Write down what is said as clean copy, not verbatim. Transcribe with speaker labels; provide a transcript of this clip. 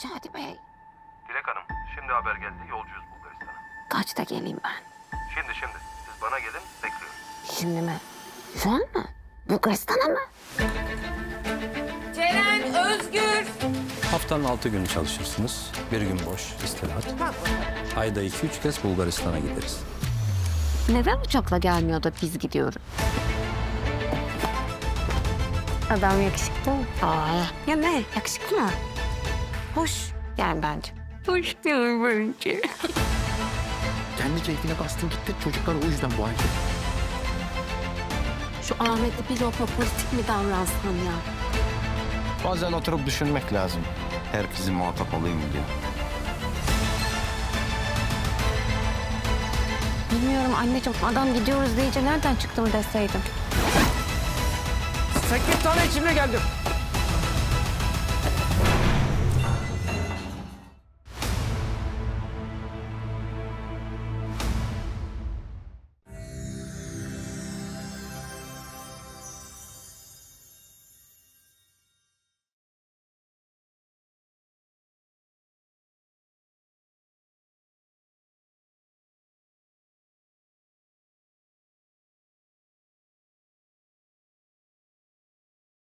Speaker 1: Şadi Bey.
Speaker 2: Dilek Hanım, şimdi haber geldi. Yolcuyuz Bulgaristan'a.
Speaker 1: Kaçta geleyim ben?
Speaker 2: Şimdi. Siz bana gelin, bekliyorum.
Speaker 1: Şimdi mi? Şu an mı? Bulgaristan'a mı?
Speaker 3: Ceren, Özgür.
Speaker 4: Haftanın 6 günü çalışırsınız. Bir gün boş, istirahat. Ayda 2-3 kez Bulgaristan'a gideriz.
Speaker 1: Neden uçakla gelmiyor da biz gidiyoruz? Adam yakışıklı mı? Ya ne? Yakışıklı mı? Hoş yani bence. Hoş değil bence.
Speaker 5: Kendi keyfine bastın gitti. Çocuklar o yüzden bu halde.
Speaker 1: Şu Ahmet'le bir lokma politik mi davransam ya?
Speaker 5: Bazen oturup düşünmek lazım. Herkesin muhatap olayım mı diye.
Speaker 1: Bilmiyorum anneciğim. Adam gidiyoruz deyince nereden çıktı mı deseydim.
Speaker 6: 8 tane içimle geldim.